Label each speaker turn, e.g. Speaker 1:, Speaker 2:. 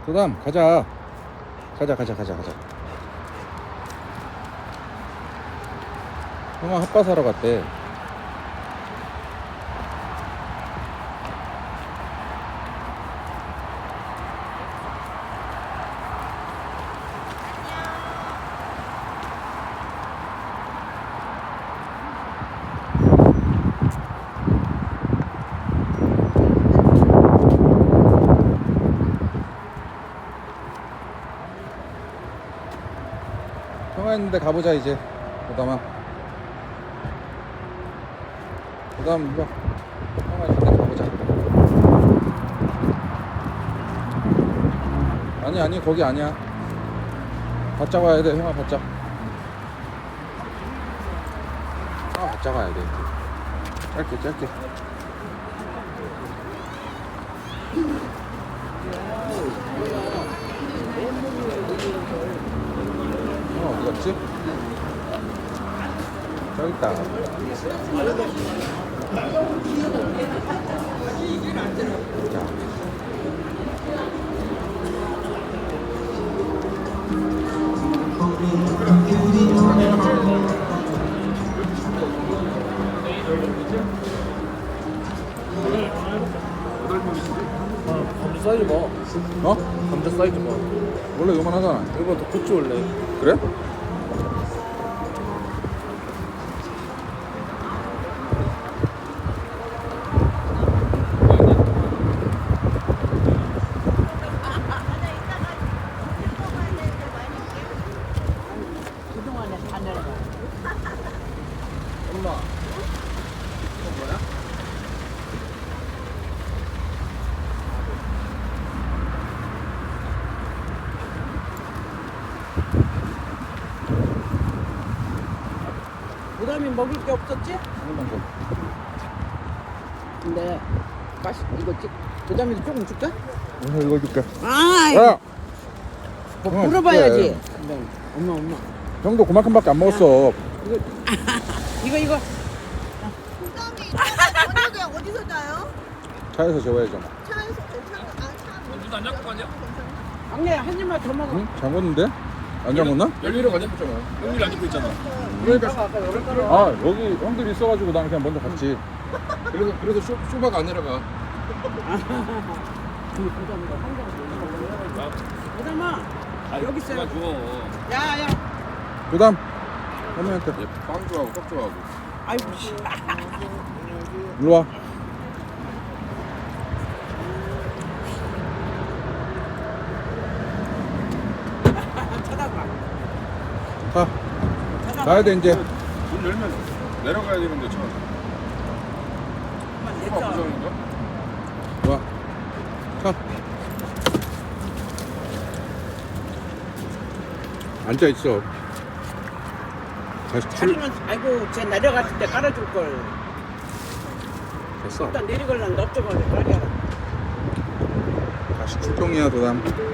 Speaker 1: 도담 가자. 가자. 형아 핫바 사러 갔대. 형아 있는데 가보자 이제. 도담아. 도담 이리 와. 형아 있는데 가보자. 아니 거기 아니야. 바짝 와야 돼. 형아 바짝. 바짝 와야 돼. 짧게. 어디 갔지? 저기 있다. 자.
Speaker 2: 감자 사이즈 봐.
Speaker 1: 어?
Speaker 2: 감자 사이즈 봐.
Speaker 1: 원래 요만하잖아.
Speaker 2: 이거 더 컸지 원래.
Speaker 1: 그래?
Speaker 3: 그동안에 다 내려가.
Speaker 2: 엄마. 이거 뭐야?
Speaker 3: 부담이 먹을 게 없었지?
Speaker 1: 조금만 더.
Speaker 3: 근데 이거 부담이도 조금 줄까?
Speaker 1: 이거 줄게.
Speaker 3: 아,
Speaker 1: 야!
Speaker 3: 뭐 물어봐야지. 근데 엄마.
Speaker 1: 형도 그만큼밖에 안 먹었어.
Speaker 3: 이거.
Speaker 4: 저녁에 어디서 자요?
Speaker 1: 차에서 재워야죠.
Speaker 4: 차에서 차.
Speaker 2: 누도 안 잡고 가냐?
Speaker 3: 막내 한 입만 더 먹어.
Speaker 1: 응? 잠궜는데? 안 잠궜나?
Speaker 2: 열리로 안 잡혔잖아. 열리로 안 잡고 있잖아.
Speaker 1: 그러니까.
Speaker 3: 아까 여기 따라.
Speaker 1: 아 여기 형들이 있어가지고 난 그냥 먼저 갔지.
Speaker 2: 그래서 쇼바가 안 내려가.
Speaker 3: 부담이가 한장 부담아. 여기 있어요.
Speaker 2: 줘.
Speaker 3: 야야.
Speaker 1: 도담. 어머니한테.
Speaker 2: 빵 좋아하고 떡 좋아하고.
Speaker 3: 아이고 씨.
Speaker 1: 일로 와.
Speaker 3: 쳐다봐.
Speaker 1: 가. 가야 돼 이제.
Speaker 2: 문 열면 내려가야 되는데 차. 쇼바
Speaker 3: 내꺼.
Speaker 2: 부정인가?
Speaker 1: 와. 가. 앉아 있어. 다시 출.
Speaker 3: 차리면 아이고 쟤 내려갔을 때 깔아줄 걸.
Speaker 1: 됐어.
Speaker 3: 일단 내리걸랑 넓적하게 깔이야.
Speaker 1: 다시 출동이야 도담.